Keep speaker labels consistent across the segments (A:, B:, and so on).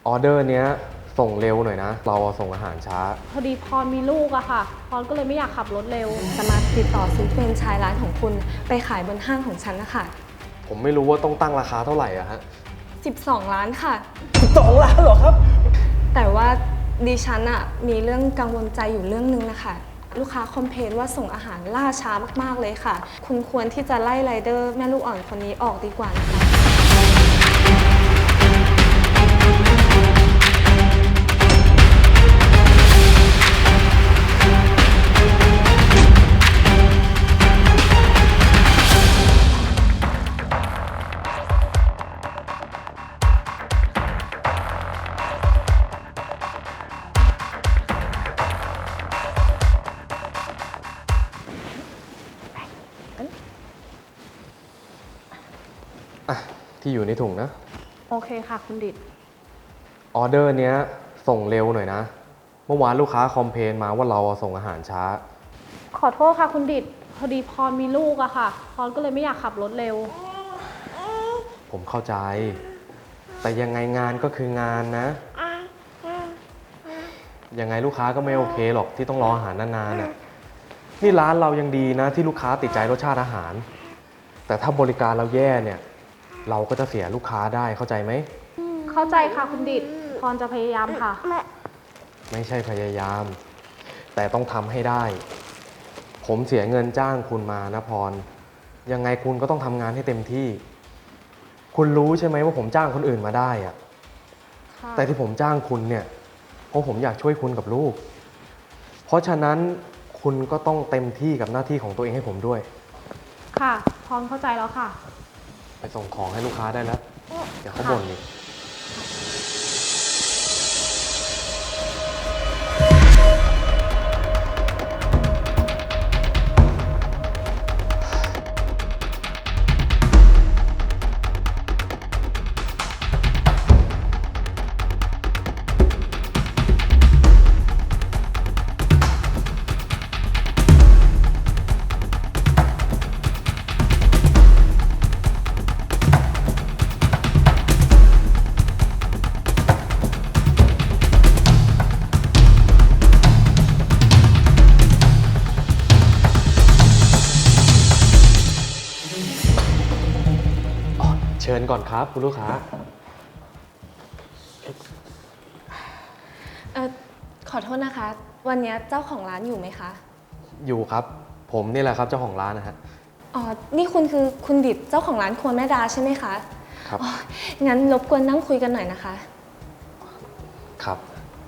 A: ออเดอร์เนี้ยส่งเร็วหน่อยนะเราส่งอาหารช้า
B: พอดีพรมีลูกอะค่ะพรก็เลยไม่อยากขับรถเร็ว
C: จะมาติดต่อซื้อแฟรนไชส์ร้านของคุณไปขายบนห้างของฉันนะคะ
A: ผมไม่รู้ว่าต้องตั้งราคาเท่าไหร่อะฮะ
C: 12 ล้านค่ะ
D: 12 ล้านเหรอครับ
C: แต่ว่าดิฉันอะมีเรื่องกังวลใจอยู่เรื่องนึงนะคะลูกค้าคอมเพลนว่าส่งอาหารล่าช้ามากๆเลยค่ะคุณควรที่จะไล่ไรเดอร์แม่ลูกอ่อนคนนี้ออกดีกว่านะคะ
A: ที่อยู่ในถุงนะ
B: โอเคค่ะคุณดิษ
A: ออเดอร์เนี้ยส่งเร็วหน่อยนะเมื่อวานลูกค้าคอมเพลนมาว่าเราส่งอาหารช้า
B: ขอโทษค่ะคุณดิษพอดีพรมีลูกอะค่ะพรก็เลยไม่อยากขับรถเร็ว
A: ผมเข้าใจแต่ยังไงงานก็คืองานนะยังไงลูกค้าก็ไม่โอเคหรอกที่ต้องรออาหารนานๆน่ะนี่ร้านเรายังดีนะที่ลูกค้าติดใจรสชาติอาหารแต่ถ้าบริการเราแย่เนี่ยเราก็จะเสียลูกค้าได้เข้าใจไหม
B: เข้าใจค่ะคุณดิษพรจะพยายามค่ะ
A: ไม่ใช่พยายามแต่ต้องทำให้ได้ผมเสียเงินจ้างคุณมานะพรยังไงคุณก็ต้องทำงานให้เต็มที่คุณรู้ใช่ไหมว่าผมจ้างคนอื่นมาได้อะแต่ที่ผมจ้างคุณเนี่ยเพราะผมอยากช่วยคุณกับลูกเพราะฉะนั้นคุณก็ต้องเต็มที่กับหน้าที่ของตัวเองให้ผมด้วย
B: ค่ะพรเข้าใจแล้วค่ะ
A: ไปส่งของให้ลูกค้าได้แล้วเดี๋ยวเขาบ่นอีกเชิญก่อนครับคุณลูกค้า
C: ขอโทษนะคะวันนี้เจ้าของร้านอยู่ไหมคะ
A: อยู่ครับผมนี่แหละครับเจ้าของร้านนะฮะ
C: อ๋อนี่คุณคือคุณดิษเจ้าของร้านครัวแม่ดาใช่ไหมคะ
A: ครับ
C: งั้นรบกวนนั่งคุยกันหน่อยนะคะ
A: ครับ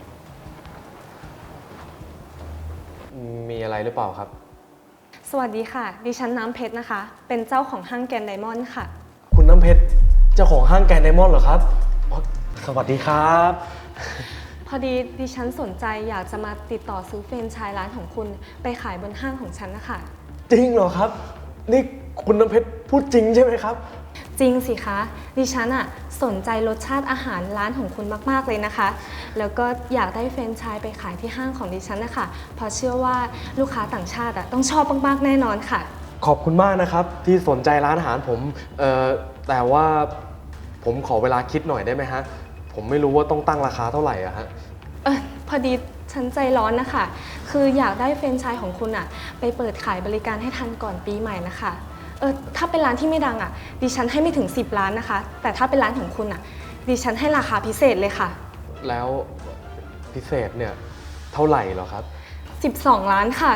A: มีอะไรหรือเปล่าครับ
C: สวัสดีค่ะดิฉันน้ำเพชรนะคะเป็นเจ้าของห้างแกรนด์ไดมอนด์ค่ะ
D: คุณน้ำเพชรเจ้าของห้างแกรนด์ไดมอนด์เหรอครับสวัสดีครับ
C: พอดีดิฉันสนใจอยากจะมาติดต่อซื้อแฟรนไชส์ร้านของคุณไปขายบนห้างของฉันนะคะ
D: จริงเหรอครับนี่คุณน้ำเพชรพูดจริงใช่ไหมครับ
C: จริงสิคะดิฉันอะสนใจรสชาติอาหารร้านของคุณมากๆเลยนะคะแล้วก็อยากได้แฟรนไชส์ไปขายที่ห้างของดิฉันนะคะเพราะเชื่อว่าลูกค้าต่างชาติอะต้องชอบมากๆแน่นอนค่ะ
D: ขอบคุณมากนะครับที่สนใจร้านอาหารผม
A: แต่ว่าผมขอเวลาคิดหน่อยได้ไหมฮะผมไม่รู้ว่าต้องตั้งราคาเท่าไหร่อะฮะ
C: พอดีฉันใจร้อนนะคะคืออยากได้แฟรนไชส์ของคุณอะไปเปิดขายบริการให้ทันก่อนปีใหม่นะคะถ้าเป็นร้านที่ไม่ดังอะดิฉันให้ไม่ถึง10 ล้านนะคะแต่ถ้าเป็นร้านของคุณอะดิฉันให้ราคาพิเศษเลยค่ะ
A: แล้วพิเศษเนี่ยเท่าไหร่เหรอครับ
C: 12 ล้านค่ะ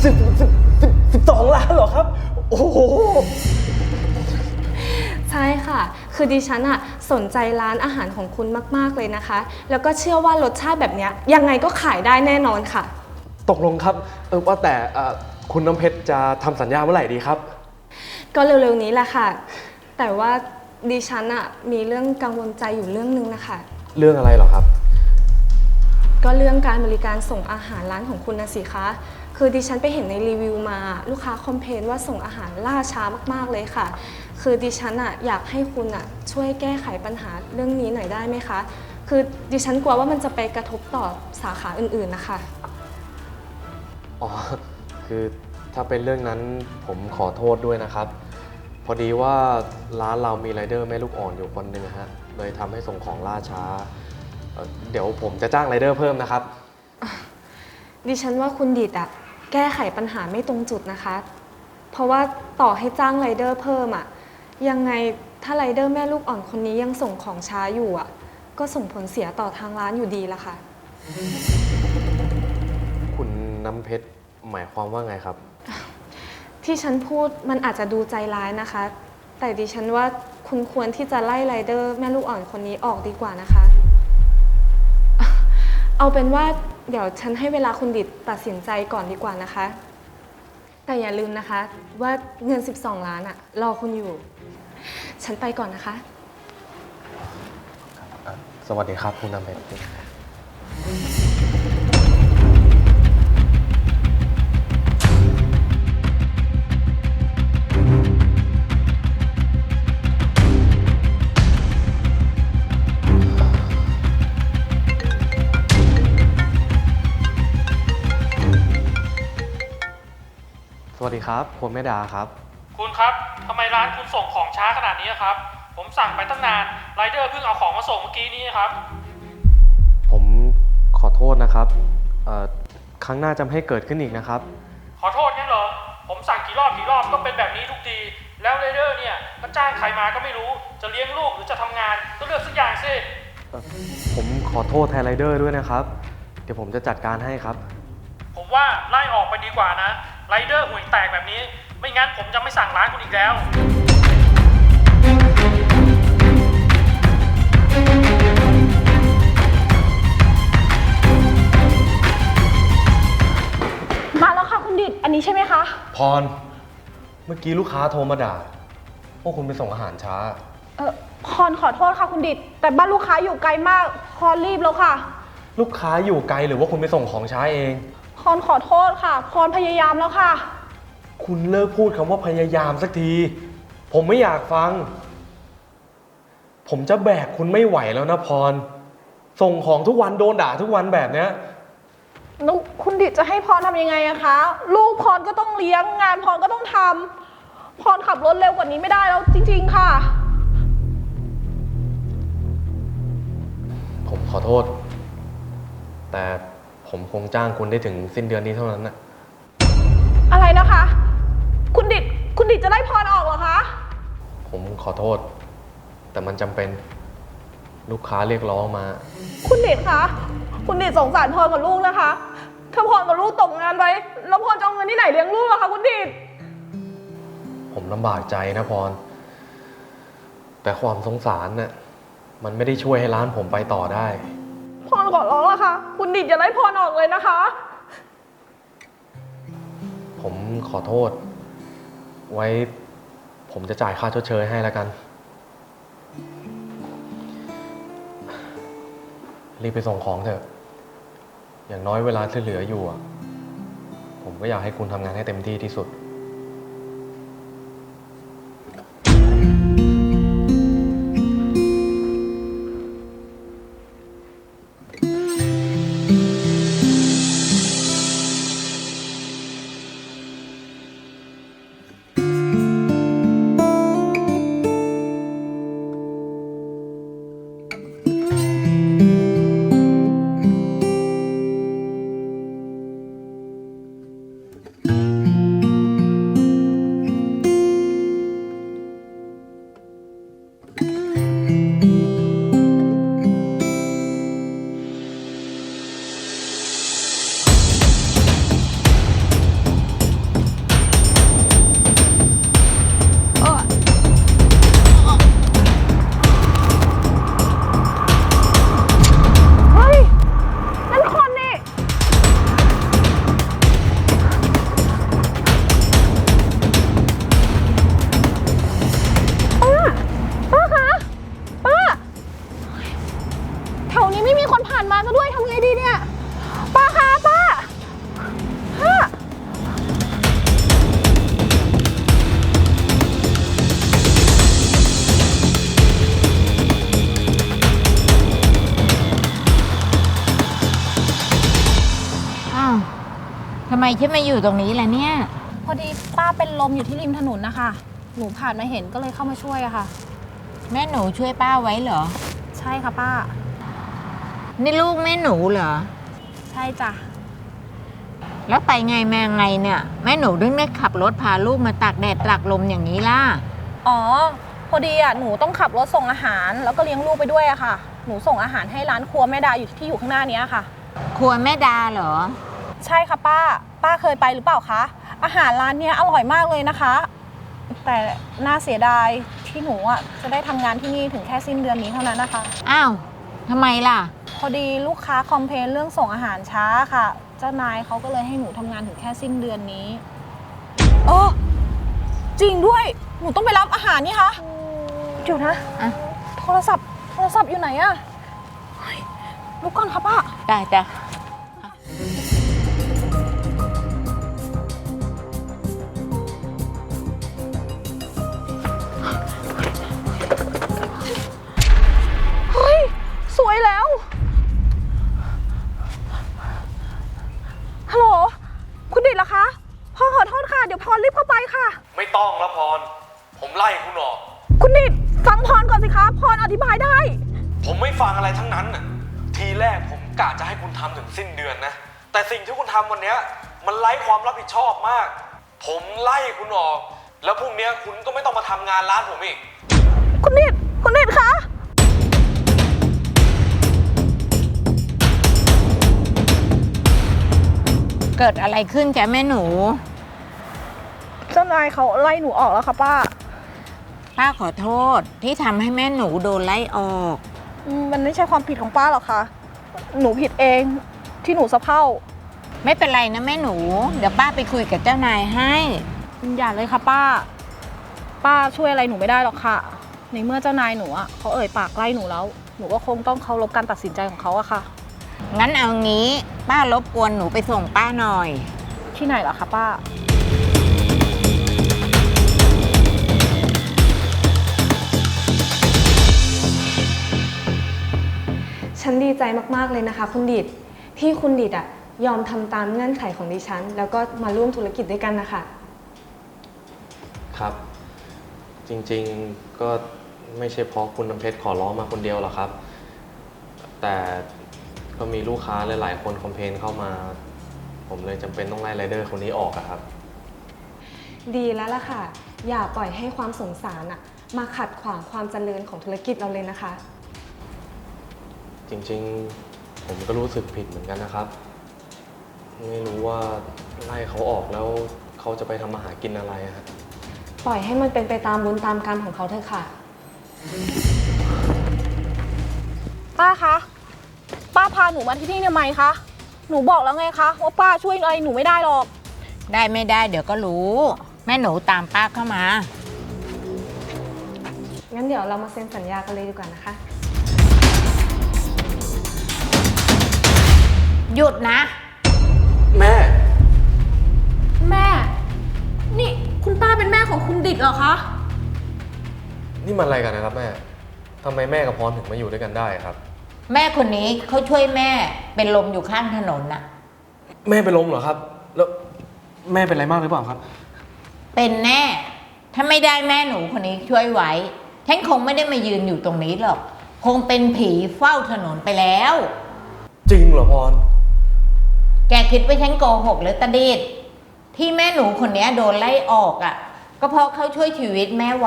D: 12 ล้านเหรอครับโอ้โห
C: ใช่ค่ะคือดิฉันอะสนใจร้านอาหารของคุณมากๆเลยนะคะแล้วก็เชื่อว่ารสชาติแบบนี้ยังไงก็ขายได้แน่นอนค่ะ
A: ตกลงครับว่าแต่คุณน้ำเพชรจะทำสัญญาเมื่อไหร่ดีครับ
C: ก็เร็วๆนี้แหละค่ะแต่ว่าดิฉันอะมีเรื่องกังวลใจอยู่เรื่องนึงนะคะ
A: เรื่องอะไรเหรอครับ
C: ก็เรื่องการบริการส่งอาหารร้านของคุณนะสิคะคือดิฉันไปเห็นในรีวิวมาลูกค้าคอมเพลนว่าส่งอาหารล่าช้ามากๆเลยค่ะคือดิฉันอะอยากให้คุณอะช่วยแก้ไขปัญหาเรื่องนี้หน่อยได้ไหมคะคือดิฉันกลัวว่ามันจะไปกระทบต่อสาขาอื่นๆนะคะ
A: อ๋อคือถ้าเป็นเรื่องนั้นผมขอโทษด้วยนะครับพอดีว่าร้านเรามีไรเดอร์แม่ลูกอ่อนอยู่คนหนึ่งฮะเลยทำให้ส่งของล่าช้าเดี๋ยวผมจะจ้างไรเดอร์เพิ่มนะครับ
C: ดิฉันว่าคุณดิดอะแก้ไขปัญหาไม่ตรงจุดนะคะ เพราะว่าต่อให้จ้างไรเดอร์เพิ่มอะยังไงถ้าไรเดอร์แม่ลูกอ่อนคนนี้ยังส่งของช้าอยู่อะก็ส่งผลเสียต่อทางร้านอยู่ดีละค่ะ
A: คุณน้ำเพชรหมายความว่าไงครับ
C: ที่ฉันพูดมันอาจจะดูใจร้ายนะคะ แต่ดิฉันว่าคุณควรที่จะไล่ไรเดอร์แม่ลูกอ่อนคนนี้ออกดีกว่านะคะ เอาเป็นว่าเดี๋ยวฉันให้เวลาคุณดิดตัดสินใจก่อนดีกว่านะคะ แต่อย่าลืมนะคะว่าเงิน12 ล้านอะรอคุณอยู่ ฉันไปก่อนนะคะ
A: สวัสดีครับคุณน้ำเพชร สวัสดีครับคุณแม่ดาครับ
E: คุณครับทำไมร้านคุณส่งของช้าขนาดนี้ครับผมสั่งไปตั้งนานไรเดอร์เพิ่งเอาของมาส่งเมื่อกี้นี้ครับ
A: ผมขอโทษนะครับครั้งหน้าจะไม่ให้เกิดขึ้นอีกนะครับ
E: ขอโทษงั้นเหรอผมสั่งกี่รอบก็เป็นแบบนี้ทุกทีแล้วไรเดอร์เนี่ยก็จ้างใครมาก็ไม่รู้จะเลี้ยงลูกหรือจะทำงานก็เลือกสักอย่างสิ
A: ผมขอโทษแทนไรเดอร์ด้วยนะครับ เดี๋ยวผมจะจัดการให้ครับ
E: ผมว่าไล่ออกไปดีกว่านะไรเดอร์ห่วยแตกแบบนี้ไม่งั้นผมจะไม่สั่งร้านคุณอีกแล้ว
B: มาแล้วค่ะคุณดิดอันนี้ใช่ไหมคะ
A: พร เมื่อกี้ลูกค้าโทรมาด่าพวกคุณไปส่งอาหารช้า
B: พรขอโทษค่ะคุณดิดแต่บ้านลูกค้าอยู่ไกลมากพรรีบแล้วค่ะ
A: ลูกค้าอยู่ไกลหรือว่าคุณไปส่งของช้าเอง
B: พรขอโทษค่ะพรพยายามแล้วค่ะ
A: คุณเลิกพูดคำว่าพยายามสักที ผมไม่อยากฟัง ผมจะแบกคุณไม่ไหวแล้วนะพร ส่งของทุกวันโดนด่าทุกวันแบบเนี้ย
B: แล้วคุณดิดจะให้พรทำยังไงอะคะ ลูกพรก็ต้องเลี้ยงงานพรก็ต้องทำพรขับรถเร็วกว่านี้ไม่ได้แล้วจริงๆค่ะ
A: ผมขอโทษ แต่ผมคงจ้างคุณได้ถึงสิ้นเดือนนี้เท่านั้นนะ
B: อะไรนะคะ คุณดิดจะไล่พรออกเหรอคะ
A: ผมขอโทษ แต่มันจำเป็นลูกค้าเรียกร้องมา
B: คุณดิดคะคุณดิดสงสารพรกับลูกนะคะ ถ้าพรกับลูกตกงานไปแล้วพรจะเอาเงินที่ไหนเลี้ยงลูกอะคะคุณดิด
A: ผมลำบากใจนะพร แต่ความสงสารน่ะมันไม่ได้ช่วยให้ร้านผมไปต่อได้
B: พรขอร้องละค่ะ คุณดิดอย่าไล่พรออกเลยนะคะ
A: ผมขอโทษ ไว้ผมจะจ่ายค่าชดเชยให้แล้วกัน รีบไปส่งของเถอะ อย่างน้อยเวลาที่เหลืออยู่อะผมก็อยากให้คุณทำงานให้เต็มที่ที่สุด
B: เฮ้ย นั่นคนนี่ ป้าคะป้าแถวนี้ไม่มีคนผ่านมาซะด้วยทำไงดีเนี่ย ป้าคะป้า
F: อ้าวทำไมฉันมาอยู่ตรงนี้ล่ะเนี่ย
B: พอดีป้าเป็นลมอยู่ที่ริมถนนนะคะ หนูผ่านมาเห็นก็เลยเข้ามาช่วยอะค่ะ
F: แม่หนูช่วยป้าไว้เหรอ
B: ใช่ค่ะป้า
F: นี่ลูกแม่หนูเหรอ
B: ใช่จ้ะ
F: แล้วไปไงมาไงเนี่ย แม่หนูถึงได้ขับรถพาลูกมาตากแดดตากลมอย่างนี้ล่ะ
B: อ๋อ พอดีอ่ะหนูต้องขับรถส่งอาหาร แล้วก็เลี้ยงลูกไปด้วยอะค่ะ หนูส่งอาหารให้ร้านครัวแม่ดาอยู่ที่อยู่ข้างหน้านี้ค่ะ
F: ครัวแม่ดาเหรอ
B: ใช่ค่ะป้า ป้าเคยไปหรือเปล่าคะ อาหารร้านเนี้ยอร่อยมากเลยนะคะ แต่น่าเสียดายที่หนูอ่ะจะได้ทำงานที่นี่ถึงแค่สิ้นเดือนนี้เท่านั้นนะคะ
F: อ้าวทำไมล่ะ
B: พอดีลูกค้าคอมเพลนเรื่องส่งอาหารช้าค่ะ เจ้านายเขาก็เลยให้หนูทำงานถึงแค่สิ้นเดือนนี้จริงด้วย หนูต้องไปรับอาหารนี่คะเดี๋ยวนะ
F: อ่ะ
B: โทรศัพท์อยู่ไหนอะเฮ้ยลุกก่อนค่ะป้า
F: ได้จ้ะ
B: เฮ้ย สวยแล้ว ฮัลโหล คุณดิดเหรอคะ พ่อขอโทษค่ะ เดี๋ยวพรรีบเข้าไปค่ะ
A: ไม่ต้องแล้วพร ผมไล่คุณออก
B: คุณดิดฟังพรก่อนสิคะ พรอธิบายได้
A: ผมไม่ฟังอะไรทั้งนั้นน่ะ ทีแรกผมกะจะให้คุณทำถึงสิ้นเดือนนะ แต่สิ่งที่คุณทำวันเนี้ยมันไร้ความรับผิดชอบมาก ผมไล่คุณออก แล้วพรุ่งนี้คุณก็ไม่ต้องมาทำงานร้านผมอีก
B: คุณดิดคะ
F: เกิดอะไรขึ้นจ้ะแม่หนู
B: เจ้านายเขาไล่หนูออกแล้วค่ะป้า
F: ป้าขอโทษที่ทำให้แม่หนูโดนไล่ออก
B: มันไม่ใช่ความผิดของป้าหรอกค่ะ หนูผิดเองที่หนูสะเพร่า
F: ไม่เป็นไรนะแม่หนู เดี๋ยวป้าไปคุยกับเจ้านายให้
B: อย่าเลยค่ะป้า ป้าช่วยอะไรหนูไม่ได้หรอกค่ะ ในเมื่อเจ้านายหนูอ่ะเขาเอ่ยปากไล่หนูแล้ว หนูก็คงต้องเคารพการตัดสินใจของเขาอะค่ะ
F: งั้นเอางี้ป้ารบกวนหนูไปส่งป้าหน่อย
B: ที่ไหนเหรอคะป้า
C: ฉันดีใจมากๆเลยนะคะคุณดิดที่คุณดิดอะยอมทำตามเงื่อนไขของดิฉัน แล้วก็มาร่วมธุรกิจด้วยกันนะคะ
A: ครับ จริงๆก็ไม่ใช่เพราะคุณน้ำเพชรขอร้องมาคนเดียวหรอกครับ แต่ก็มีลูกค้าหลายๆคนคอมเพลนเข้ามา ผมเลยจำเป็นต้องไล่ไรเดอร์คนนี้ออกอะครับ
C: ดีแล้วล่ะค่ะ อย่าปล่อยให้ความสงสารอะมาขัดขวางความเจริญของธุรกิจเราเลยนะคะ
A: จริงๆผมก็รู้สึกผิดเหมือนกันนะครับ ไม่รู้ว่าไล่เขาออกแล้วเขาจะไปทำมาหากินอะไรอะครับ
C: ปล่อยให้มันเป็นไปตามบุญตามกรรมของเขาเถอะค่ะ
B: ป้าคะ ป้าพาหนูมาที่นี่ทำไมคะ หนูบอกแล้วไงคะว่าป้าช่วยอะไรหนูไม่ได้หรอก
F: ได้ไม่ได้เดี๋ยวก็รู้ แม่หนูตามป้าเข้ามา
C: งั้นเดี๋ยวเรามาเซ็นสัญญากันเลยดีกว่านะคะ
F: หยุดนะ
A: แม่
B: แม่ นี่คุณป้าเป็นแม่ของคุณดิดเหรอคะ
A: นี่มันอะไรกันนะครับแม่ทำไมแม่กับพรถึงมาอยู่ด้วยกันได้ครับ
F: แม่คนนี้เขาช่วยแม่เป็นลมอยู่ข้างถนนน่ะ
A: แม่เป็นลมเหรอครับ แล้วแม่เป็นอะไรมากหรือเปล่าครับ
F: เป็นแน่ ถ้าไม่ได้แม่หนูคนนี้ช่วยไว้ ฉันคงไม่ได้มายืนอยู่ตรงนี้หรอก คงเป็นผีเฝ้าถนนไปแล้ว
A: จริงเหรอพร
F: แกคิดว่าฉันโกหกหรือตะดิดที่แม่หนูคนนี้โดนไล่ออกอ่ะ ก็เพราะเขาช่วยชีวิตแม่ไว้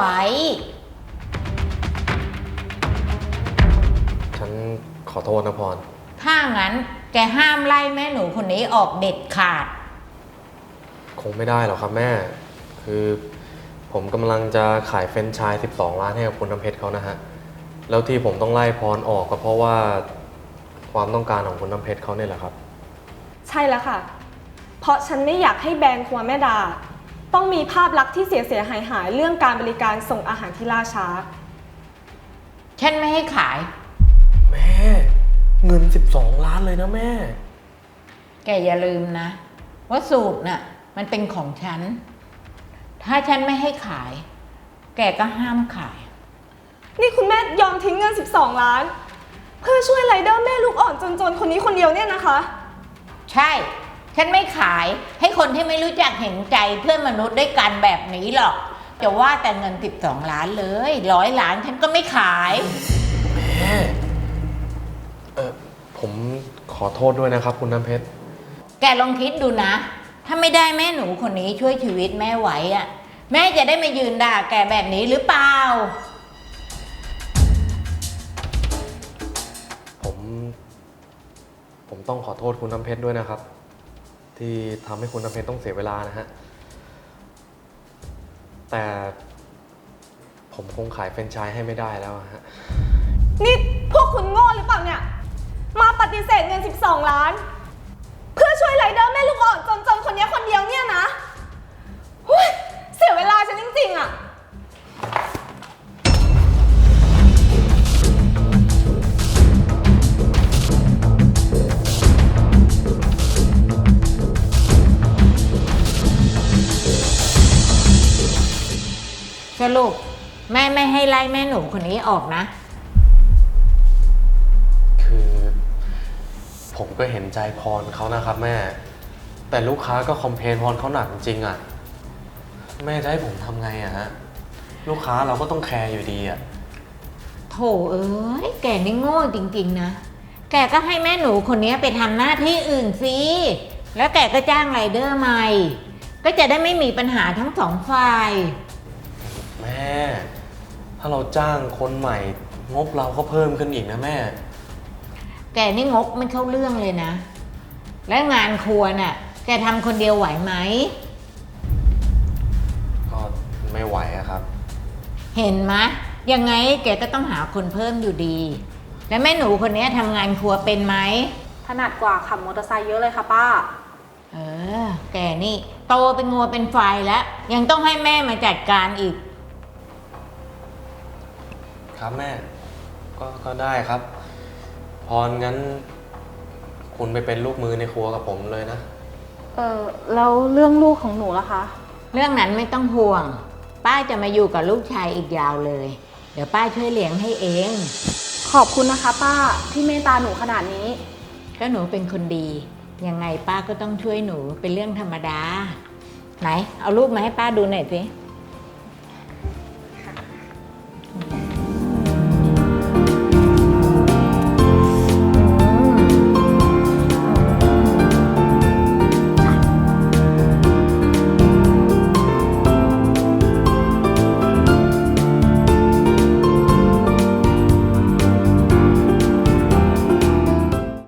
A: ฉันขอโทษนะพร
F: ถ้างั้นแกห้ามไล่แม่หนูคนนี้ออกเด็ดขาด
A: คงไม่ได้หรอกครับแม่ คือผมกำลังจะขายเฟรนไชส์12 ล้านให้กับคุณน้ำเพชรเขานะฮะ แล้วที่ผมต้องไล่พรออกก็เพราะว่าความต้องการของคุณน้ำเพชรเขาเนี่ยแหละครับ
C: ใช่แล้วค่ะ เพราะฉันไม่อยากให้แบรนด์ครัวแม่ดา ต้องมีภาพลักษณ์ที่เสียหายเรื่องการบริการส่งอาหารที่ล่าช้า
F: ฉันไม่ให้ขาย
A: แม่ เงิน12 ล้านเลยนะแม่
F: แกอย่าลืมนะ ว่าสูตรน่ะมันเป็นของฉัน ถ้าฉันไม่ให้ขาย แกก็ห้ามขาย
C: นี่คุณแม่ยอมทิ้งเงิน 12 ล้าน เพื่อช่วยไรเดอร์แม่ลูกอ่อนจนๆคนนี้คนเดียวเนี่ยนะคะ
F: ใช่ ฉันไม่ขายให้คนที่ไม่รู้จักเห็นใจเพื่อนมนุษย์ด้วยกันแบบนี้หรอกจะว่าแต่เงิน12 ล้านเลย100 ล้านฉันก็ไม่ขาย
A: แม่ ผผมขอโทษด้วยนะครับ คุณน้ำเพชร
F: แกลองคิดดูนะ ถ้าไม่ได้แม่หนูคนนี้ช่วยชีวิตแม่ไว้อะแม่จะได้มายืนด่าแกแบบนี้หรือเปล่า
A: ผมต้องขอโทษคุณน้ำเพชรด้วยนะครับ ที่ทำให้คุณน้ำเพชรต้องเสียเวลานะฮะ แต่ผมคงขายแฟรนไชส์ให้ไม่ได้แล้วอะฮะ
C: นี่พวกคุณโง่หรือเปล่าเนี่ย มาปฏิเสธเงิน 12 ล้าน เพื่อช่วยไรเดอร์แม่ลูกอ่อนจนๆคนนี้คนเดียวเนี่ยนะหุ้ยเสียเวลาฉันจริงๆอะ
F: สรุปแม่ไม่ให้ไล่แม่หนูคนนี้ออกนะ
A: คือผมก็เห็นใจพรเขานะครับแม่ แต่ลูกค้าก็คอมเพลนพรเขาหนักจริงๆอะแม่จะให้ผมทำไงอะฮะ ลูกค้าเราก็ต้องแคร์อยู่ดีอะ
F: โถเอ้ยแกนี่โง่จริงๆนะ แกก็ให้แม่หนูคนนี้ไปทำหน้าที่อื่นสิแล้วแกก็จ้างไรเดอร์ใหม่ ก็จะได้ไม่มีปัญหาทั้งสองฝ่าย
A: แม่ ถ้าเราจ้างคนใหม่งบเราก็เพิ่มขึ้นอีกนะแม่
F: แกนี่งกไม่เข้าเรื่องเลยนะ และงานครัวน่ะ แกทำคนเดียวไหวไหม
A: ก็ไม่ไหวอะครับ
F: เห็นไหมยังไงแกก็ต้องหาคนเพิ่มอยู่ดี แล้วแม่หนูคนนี้ทำงานครัวเป็นไหม
B: ถนัดกว่าขับมอเตอร์ไซค์เยอะเลยค่ะป้า
F: เออ แกนี่โตเป็นงัวเป็นไฟแล้ว ยังต้องให้แม่มาจัดการอีก
A: ครับแม่ ก็ได้ครับ พรงั้น คุณไปเป็นลูกมือในครัวกับผมเลยนะ
B: แล้วเรื่องลูกของหนูล่ะคะ
F: เรื่องนั้นไม่ต้องห่วง ป้าจะมาอยู่กับลูกชายอีกยาวเลย เดี๋ยวป้าช่วยเลี้ยงให้เอง
B: ขอบคุณนะคะป้าที่เมตตาหนูขนาดนี้
F: ก็หนูเป็นคนดี ยังไงป้าก็ต้องช่วยหนูเป็นเรื่องธรรมดา ไหน เอารูปมาให้ป้าดูหน่อยสิ